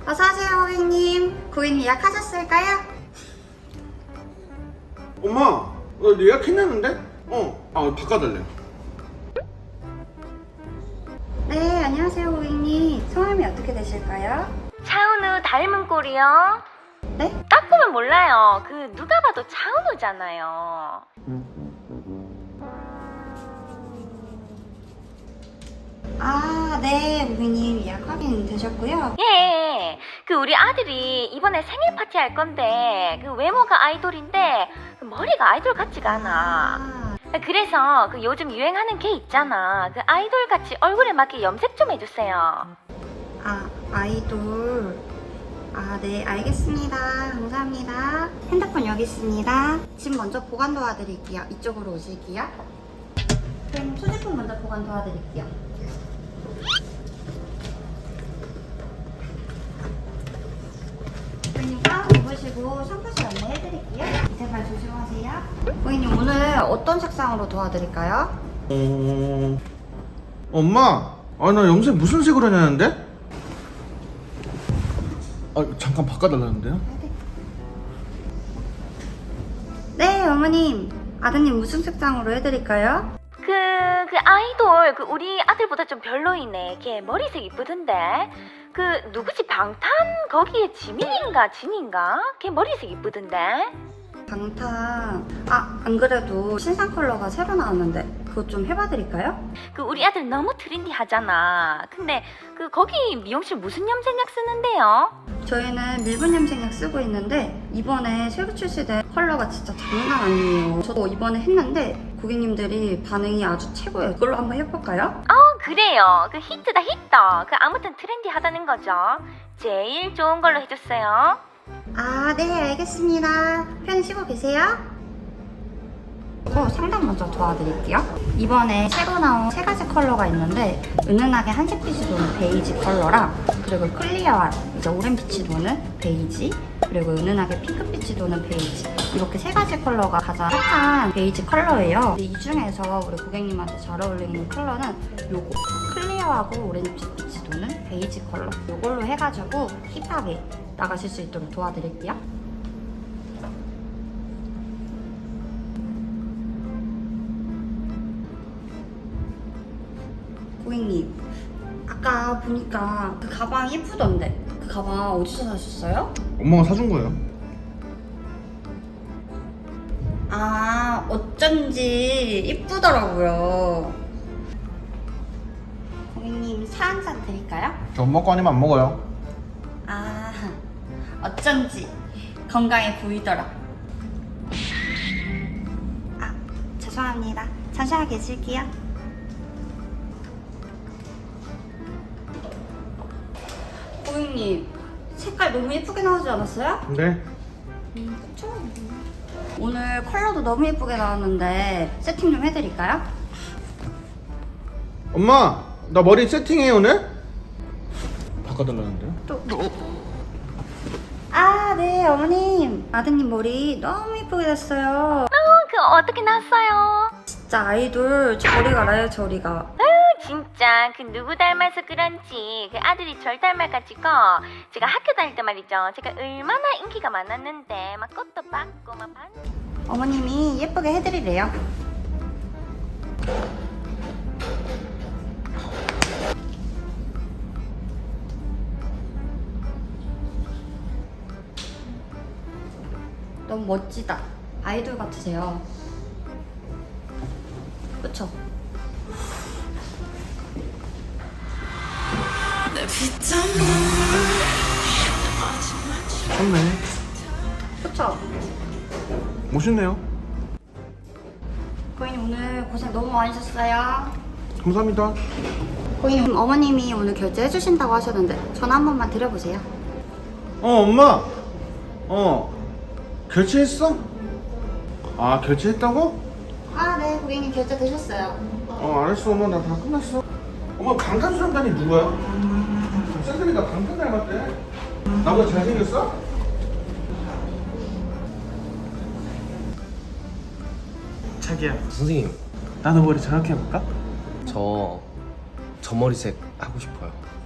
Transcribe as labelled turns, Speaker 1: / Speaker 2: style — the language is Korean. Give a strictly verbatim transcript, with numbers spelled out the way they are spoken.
Speaker 1: 어서오세요 고객님. 고객님 예약하셨을까요?
Speaker 2: 엄마, 나 예약했냐는데? 어, 아 바꿔달래.
Speaker 1: 네, 안녕하세요 고객님. 성함이 어떻게 되실까요?
Speaker 3: 차은우 닮은 꼴이요?
Speaker 1: 네?
Speaker 3: 딱 보면 몰라요. 그 누가 봐도 차은우잖아요.
Speaker 1: 아, 네 고객님 예약 확인 되셨고요.
Speaker 3: 예, 그 우리 아들이 이번에 생일 파티 할 건데 그 외모가 아이돌인데 그 머리가 아이돌 같지가 않아.
Speaker 1: 아,
Speaker 3: 그래서 그 요즘 유행하는 게 있잖아. 그 아이돌 같이 얼굴에 맞게 염색 좀 해주세요.
Speaker 1: 아 아이돌. 아, 네, 알겠습니다. 감사합니다. 핸드폰 여기 있습니다. 집 먼저 보관 도와드릴게요. 이쪽으로 오실게요. 그럼 소지품 먼저 보관 도와드릴게요. 고객님 가운 입으시고 샴푸실 안내해드릴게요. 밑에 발 조심하세요. 고객님 오늘 어떤 색상으로 도와드릴까요?
Speaker 2: 어, 엄마, 아 나 염색 무슨 색으로 하냐는데? 아 잠깐 바꿔달라는데요?
Speaker 1: 네, 어머님. 아드님 무슨 색상으로 해드릴까요?
Speaker 3: 그, 그 아이돌 그 우리 아들보다 좀 별로이네. 걔 머리색 이쁘던데. 그 누구지 방탄 거기에 지민인가 진인가? 걔 머리색 이쁘던데.
Speaker 1: 방탄. 아, 안 그래도 신상 컬러가 새로 나왔는데 그거 좀 해봐드릴까요?
Speaker 3: 그 우리 아들 너무 트렌디하잖아. 근데 그 거기 미용실 무슨 염색약 쓰는데요?
Speaker 1: 저희는 밀분 염색약 쓰고 있는데 이번에 새로 출시된 컬러가 진짜 장난 아니에요. 저도 이번에 했는데 고객님들이 반응이 아주 최고예요. 이걸로 한번 해볼까요?
Speaker 3: 어 그래요. 그 히트다 히트. 그 아무튼 트렌디하다는 거죠. 제일 좋은 걸로 해줬어요.
Speaker 1: 아, 네, 알겠습니다. 편히 쉬고 계세요. 어, 상담 먼저 도와드릴게요. 이번에 새로 나온 세 가지 컬러가 있는데 은은하게 한색빛이 도는 베이지 컬러랑 그리고 클리어한 이제 오렌빛이 도는 베이지 그리고 은은하게 핑크빛이 도는 베이지 이렇게 세 가지 컬러가 가장 핫한 베이지 컬러예요. 이 중에서 우리 고객님한테 잘 어울리는 컬러는 요거 클리어하고 오렌지빛이 도는 베이지 컬러 요걸로 해가지고 힙하게 나가실 수 있도록 도와드릴게요. 고객님, 아까 보니까 그 가방 예쁘던데 그 가방 어디서 사셨어요?
Speaker 2: 엄마가 사준 거예요.
Speaker 1: 아, 어쩐지 예쁘더라고요. 고객님, 차 한 잔 드릴까요?
Speaker 2: 저 엄마 거 아니면 안 먹어요.
Speaker 1: 아, 어쩐지 건강해 보이더라. 아, 죄송합니다. 잠시만 계실게요. 고객님, 색깔 너무 예쁘게 나오지 않았어요?
Speaker 2: 네.
Speaker 1: 음, 그쵸? 오늘 컬러도 너무 예쁘게 나왔는데 세팅 좀 해드릴까요?
Speaker 2: 엄마, 나 머리 세팅해 오늘? 바꿔달라는데요?
Speaker 1: 또. 아, 네, 어머님. 아드님 머리 너무 예쁘게 됐어요.
Speaker 3: 어, 그 어떻게 났어요?
Speaker 1: 진짜 아이돌 저리 가라요, 저리가.
Speaker 3: 진짜 그 누구 닮아서 그런지 그 아들이 절 닮아가지고 제가 학교 다닐 때 말이죠. 제가 얼마나 인기가 많았는데 막 꽃도 받고 막 반...
Speaker 1: 어머님이 예쁘게 해드리래요. 너무 멋지다. 아이돌 같으세요. 그쵸?
Speaker 2: 좋네.
Speaker 1: 그쵸?
Speaker 2: 멋있네요.
Speaker 1: 고객님 오늘 고생 너무 많으셨어요.
Speaker 2: 감사합니다.
Speaker 1: 고객님 어머님이 오늘 결제해주신다고 하셨는데 전화 한 번만 드려보세요.
Speaker 2: 어 엄마. 어 결제했어? 아 결제했다고?
Speaker 1: 아, 네, 고객님 결제 되셨어요.
Speaker 2: 어 알았어 엄마 나 다 끝났어. 엄마 방탄소년단이 누구야? 쌤들이 나 방탄 닮았대. 나보다 잘생겼어?
Speaker 4: 자기야,
Speaker 5: 선생님,
Speaker 4: 나도 머리 저렇게 해볼까?
Speaker 5: 저, 저 머리색 하고 싶어요.